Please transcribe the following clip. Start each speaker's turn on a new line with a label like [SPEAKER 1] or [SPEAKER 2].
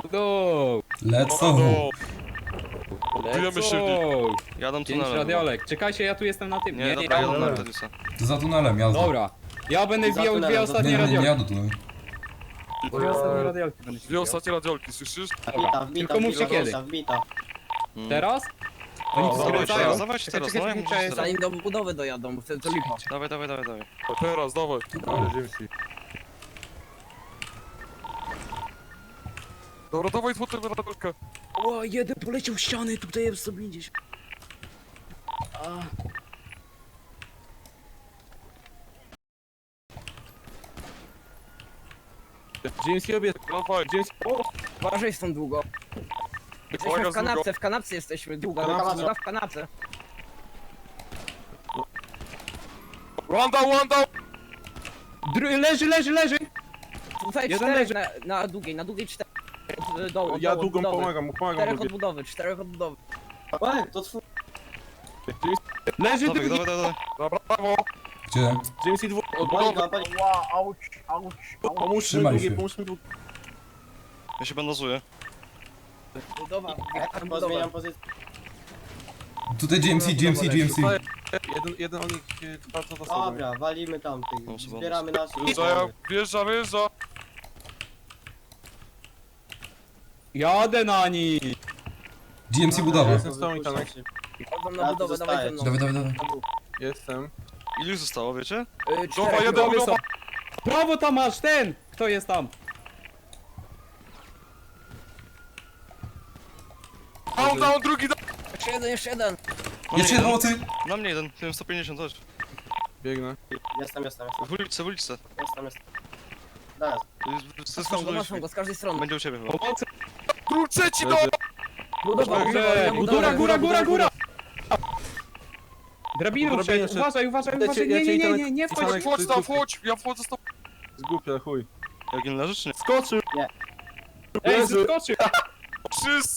[SPEAKER 1] Go!
[SPEAKER 2] Lecą.
[SPEAKER 3] Budujemy silnik.
[SPEAKER 4] Jadą
[SPEAKER 1] Pięć
[SPEAKER 4] tunelem.
[SPEAKER 1] radiolek. Czekajcie, ja tu jestem na tym.
[SPEAKER 4] Nie, dobra, jadą na
[SPEAKER 1] dobra.
[SPEAKER 4] Radiusa.
[SPEAKER 2] To za tunelem jazda.
[SPEAKER 1] Dobra. Ja będę
[SPEAKER 5] Za
[SPEAKER 1] wbijał
[SPEAKER 5] tunelem,
[SPEAKER 1] dwie
[SPEAKER 5] za
[SPEAKER 1] ostatnie
[SPEAKER 2] Nie, nie, nie
[SPEAKER 1] radiolki.
[SPEAKER 2] jadę tunelem.
[SPEAKER 1] Dwie ostatnie radiolki będę
[SPEAKER 3] Dwie
[SPEAKER 1] wbijał.
[SPEAKER 3] ostatnie radiolki, słyszysz?
[SPEAKER 5] Wbita,
[SPEAKER 1] Tylko mówcie kiedy.
[SPEAKER 5] Wbita.
[SPEAKER 1] Teraz? Oni
[SPEAKER 3] O,
[SPEAKER 1] skręcają.
[SPEAKER 4] dawajcie teraz,
[SPEAKER 1] Czekaj,
[SPEAKER 4] no jak
[SPEAKER 1] czekaj,
[SPEAKER 4] możesz
[SPEAKER 1] czekaj.
[SPEAKER 4] teraz.
[SPEAKER 6] Zanim do budowy dojadą, bo wtedy to lipa.
[SPEAKER 4] Dawaj, dawaj, dawaj, dawaj.
[SPEAKER 3] Teraz, dawaj. Dobra, dawaj złotą radiolkę.
[SPEAKER 6] O, jeden poleciał ściany, tutaj jest 150.
[SPEAKER 3] Dziński obiad. Dawaj.
[SPEAKER 6] Uważaj stąd długo. Jesteśmy
[SPEAKER 3] Kolega
[SPEAKER 6] w kanapce jesteśmy, długo,
[SPEAKER 5] Kanapce.
[SPEAKER 6] w kanapce.
[SPEAKER 3] One down.
[SPEAKER 1] Leży!
[SPEAKER 6] Tutaj
[SPEAKER 1] Jeden
[SPEAKER 6] czterech
[SPEAKER 1] leży.
[SPEAKER 6] na długiej 4. Od dołu,
[SPEAKER 7] Ja
[SPEAKER 6] dołu,
[SPEAKER 7] długą
[SPEAKER 6] od budowy.
[SPEAKER 7] pomagam
[SPEAKER 6] Czterech od budowy, 4 od budowy.
[SPEAKER 5] Łe, to twój.
[SPEAKER 1] Leży
[SPEAKER 4] Dawaj,
[SPEAKER 1] drugi.
[SPEAKER 4] dawaj, dawaj.
[SPEAKER 3] Dobra, brawo.
[SPEAKER 2] Gdzie?
[SPEAKER 7] Jamesy dwóch.
[SPEAKER 3] Od
[SPEAKER 5] Pali
[SPEAKER 3] budowy.
[SPEAKER 5] go, pali.
[SPEAKER 7] Pomóż mi
[SPEAKER 2] Trzymaj
[SPEAKER 7] drugie,
[SPEAKER 2] się.
[SPEAKER 7] pomóż mi drugie.
[SPEAKER 4] Ja się bandażuję.
[SPEAKER 6] Budowa, wjechałem
[SPEAKER 5] Pozmieniam
[SPEAKER 6] budowę.
[SPEAKER 5] pozycję.
[SPEAKER 2] Tutaj GMC.
[SPEAKER 7] Jeden o nich bardzo za sobą.
[SPEAKER 5] Dobra, walimy tamtych.
[SPEAKER 4] No, trzeba-
[SPEAKER 5] Zbieramy naszych.
[SPEAKER 3] Wjeżdża.
[SPEAKER 1] Jadę na nich.
[SPEAKER 2] GMC budowa.
[SPEAKER 7] Jestem z tobą, Itanek.
[SPEAKER 6] Wchodzą
[SPEAKER 5] Ja
[SPEAKER 6] na
[SPEAKER 5] tu
[SPEAKER 6] budowę, dawaj ze
[SPEAKER 5] zostaję.
[SPEAKER 6] mną.
[SPEAKER 2] Dawaj.
[SPEAKER 7] Jestem.
[SPEAKER 4] Ilu już zostało, wiecie?
[SPEAKER 3] Dobra,
[SPEAKER 6] Czterech,
[SPEAKER 3] jeden
[SPEAKER 1] Budowy są.
[SPEAKER 3] budowa.
[SPEAKER 1] Prawo tam masz, ten! Kto jest tam?
[SPEAKER 3] Down, drugi down.
[SPEAKER 6] jeszcze jeden.
[SPEAKER 2] Jeszcze jeden pomocy.
[SPEAKER 4] Na mnie jeden, tym 150 chodź.
[SPEAKER 7] Biegnę.
[SPEAKER 5] Jestem.
[SPEAKER 4] W uliczce, w uliczce.
[SPEAKER 5] Teraz.
[SPEAKER 6] Maszą go z każdej strony.
[SPEAKER 4] Będzie u ciebie chyba.
[SPEAKER 1] Pomocy.
[SPEAKER 3] Trzeci down.
[SPEAKER 6] Budowa,
[SPEAKER 1] Dobrze. Góra! Drabinu
[SPEAKER 7] Drabinę
[SPEAKER 1] wszedł.
[SPEAKER 7] szedł.
[SPEAKER 1] Uważaj. Nie wchodź.
[SPEAKER 3] Wchodź tam, wchodź. Ja wchodzę z tobą.
[SPEAKER 7] Zgłupia, chuj.
[SPEAKER 4] Jak nie leżysz, czy nie?
[SPEAKER 7] Skoczył.
[SPEAKER 1] Ej, zeskoczył.
[SPEAKER 3] Wszyscy.